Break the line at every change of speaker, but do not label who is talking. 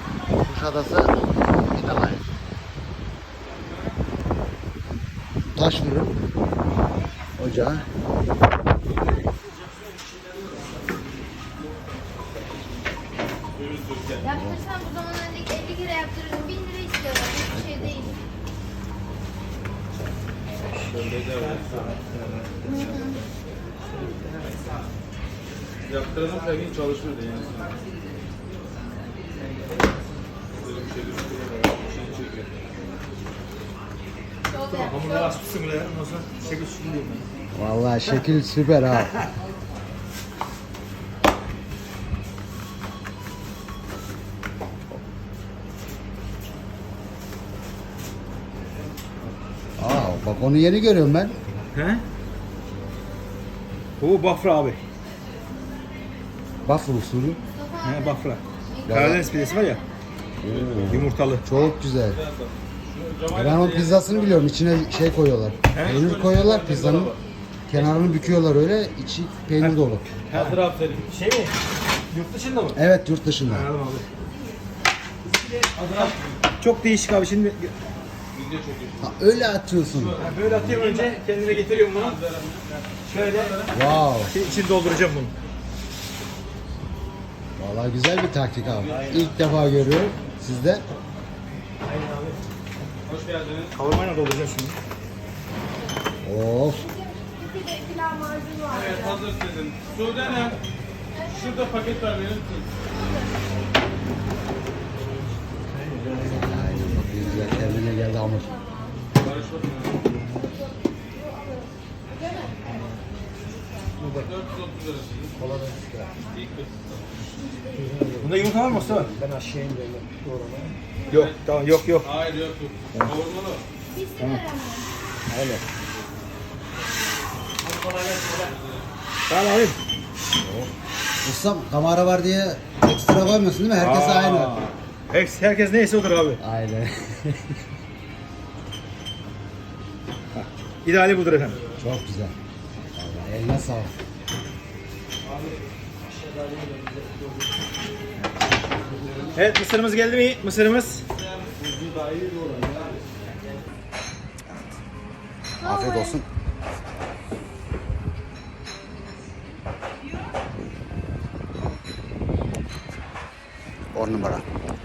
Kuşadası İnalay. Taş fırın ocağı.
Yaptırsan bu zaman önceki 50 lira yaptırırdım. 1000 lira istiyorlar. Hiçbir şey değil.
Yaptıralım her gün çalışırdı yani.
Hamurlar açmışsın bile. Ondan sonra şekil şükür diyeyim ben.
Vallahi şekil süper ha. Aa, bak onu yeni görüyorum ben.
He? Bu Bafra abi.
Bafra usulü.
He Bafra. Karadeniz pidesi var ya. Yumurtalı.
Çok güzel. Ben onun pizzasını biliyorum. İçine şey koyuyorlar. Peynir koyuyorlar pizzanın. Kenarını büküyorlar öyle. İçi peynir dolu.
Hazır aferin.
Şey mi? Yurt dışında mı?
Evet, yurt dışında.
Anladım abi. Çok değişik abi şimdi.
Ha, öyle atıyorsun.
Böyle atıyorum önce kendine getiriyorum bunu. Şöyle
Wow.
içini dolduracağım bunu.
Vallahi güzel bir taktik abi. İlk defa görüyorum sizde.
Aynen abi.
Hoş geldiniz.
Kavurmayla dolduracağım şimdi.
Of.
Evet hazır sizin. Sude Hanım. Şurada paket var benim.
Aynen bak güzel. Kendine geldi hamur.
Barış bakın. 430 lira sizin.
Bunda yumurta var mı Mustafa? Ben aşağıyım böyle doğramaya. Yok tamam yok.
Hayır yok. Kavurmalı.
Öyle. Tamam abi.
Ustam kamera var diye ekstra koymuyorsun değil mi? Herkes aynı.
Herkes neyse odur abi.
Aynen.
İdeali budur efendim.
Çok güzel. Vallahi eline sağlık.
Evet mısırımız geldi mi? Mısırımız.
Afiyet olsun. On numara.